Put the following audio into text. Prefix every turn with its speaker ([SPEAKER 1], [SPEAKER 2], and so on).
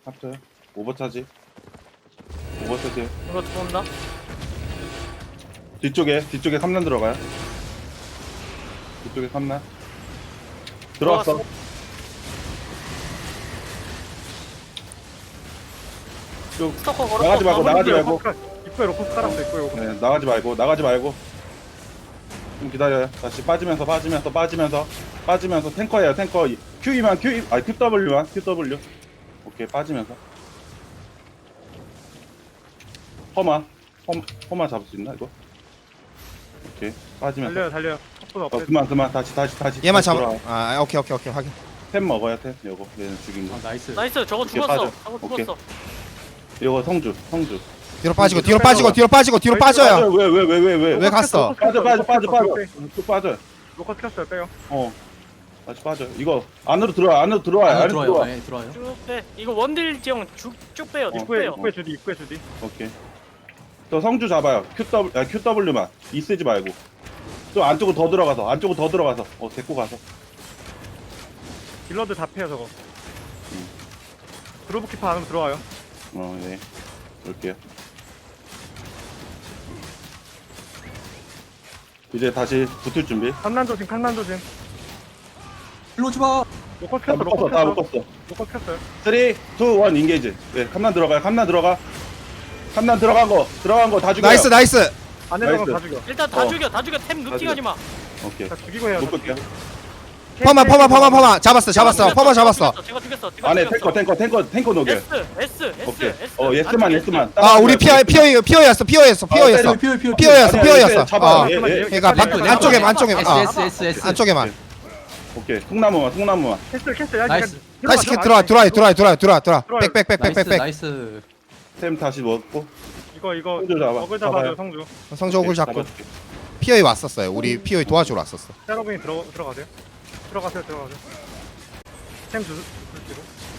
[SPEAKER 1] 합쳐요. 오버차지. 오버차지.
[SPEAKER 2] 이거 들어온다.
[SPEAKER 1] 뒤쪽에 3란 들어가요. 뒤쪽에 3란. 들어왔어. 쭉
[SPEAKER 2] 스토커 걸었어.
[SPEAKER 1] 나가지 말고 나가지 말고.
[SPEAKER 3] 입구에 로커 깔았어. 입구에 로커.
[SPEAKER 1] 네, 나가지 말고. 좀 기다려요. 다시 빠지면서 탱커예요. 탱커. QE만 QW. 오케이, 빠지면서. 허마 잡을 수 있나 이거? 오케이, 빠지면서.
[SPEAKER 3] 달려요. 속도 없애.
[SPEAKER 1] 그만. 다시.
[SPEAKER 4] 얘만
[SPEAKER 1] 다시
[SPEAKER 4] 잡아.
[SPEAKER 1] 돌아와.
[SPEAKER 4] 아 오케이 확인.
[SPEAKER 1] 템 먹어야 템. 요거 얘는 죽인 거.
[SPEAKER 5] 나이스.
[SPEAKER 2] 나이스. 저거
[SPEAKER 1] 오케이,
[SPEAKER 2] 죽었어.
[SPEAKER 1] 빠져.
[SPEAKER 2] 저거
[SPEAKER 1] 오케이.
[SPEAKER 2] 죽었어.
[SPEAKER 1] 요거 성주.
[SPEAKER 4] 뒤로 빠지고 빠져요.
[SPEAKER 1] 왜?
[SPEAKER 4] 왜 갔어?
[SPEAKER 1] 빠져. 쭉 빠져.
[SPEAKER 3] 로커 켰어요. 빼요.
[SPEAKER 1] 다시 빠져. 이거 안으로 들어와요. 안으로 들어와.
[SPEAKER 5] 네, 들어와요.
[SPEAKER 2] 쭉 빼. 이거 원딜 지형 쭉 빼요. 쭉 빼요.
[SPEAKER 3] 입구에 주디.
[SPEAKER 1] 오케이. 저 성주 잡아요. QW만. 이 쓰지 말고. 좀 안쪽으로 더 들어가서. 데리고 가서.
[SPEAKER 3] 딜러들 다 패요 저거. 그루브 키퍼 안으로 들어와요.
[SPEAKER 1] 네. 볼게요. 이제 다시 붙을 준비.
[SPEAKER 3] 칸난 조심.
[SPEAKER 5] 일로 오지 마.
[SPEAKER 3] 로커
[SPEAKER 1] 다
[SPEAKER 3] 켰어.
[SPEAKER 1] 묶었어.
[SPEAKER 3] 로커 켰어요.
[SPEAKER 1] 3, 2, 1 인게이지. 네, 칸난 들어간 거 다 죽여.
[SPEAKER 4] 나이스.
[SPEAKER 3] 안에 들어가면
[SPEAKER 1] 나이스.
[SPEAKER 3] 다 죽여.
[SPEAKER 2] 일단 다 죽여. 템 눕팅하지 마.
[SPEAKER 1] 오케이.
[SPEAKER 3] 다 죽이고 해요.
[SPEAKER 1] 묶을게요.
[SPEAKER 4] 퍼마 잡았어. 퍼마 잡았어.
[SPEAKER 2] 제가 죽였어.
[SPEAKER 1] 안에 탱커 녹여.
[SPEAKER 2] S.
[SPEAKER 1] 오케이. 예스만.
[SPEAKER 4] 아 우리 피어였어.
[SPEAKER 1] 잡아.
[SPEAKER 4] 그러니까
[SPEAKER 5] S.
[SPEAKER 4] 안쪽에만.
[SPEAKER 1] 오케이. 통나무만.
[SPEAKER 3] 캐슬.
[SPEAKER 5] 나이스.
[SPEAKER 4] 다시 들어와. 백.
[SPEAKER 5] 나이스.
[SPEAKER 1] 템 다시 먹고.
[SPEAKER 3] 이거
[SPEAKER 1] 성주 잡아.
[SPEAKER 3] 먹을 잡아줘 성주.
[SPEAKER 4] 성적을 잡고
[SPEAKER 1] 잡아줄게.
[SPEAKER 4] 피어이 왔었어요. 우리 피어이 도와주러 왔었어.
[SPEAKER 3] 여러분이 들어가세요. 들어가세요. 템 주시고.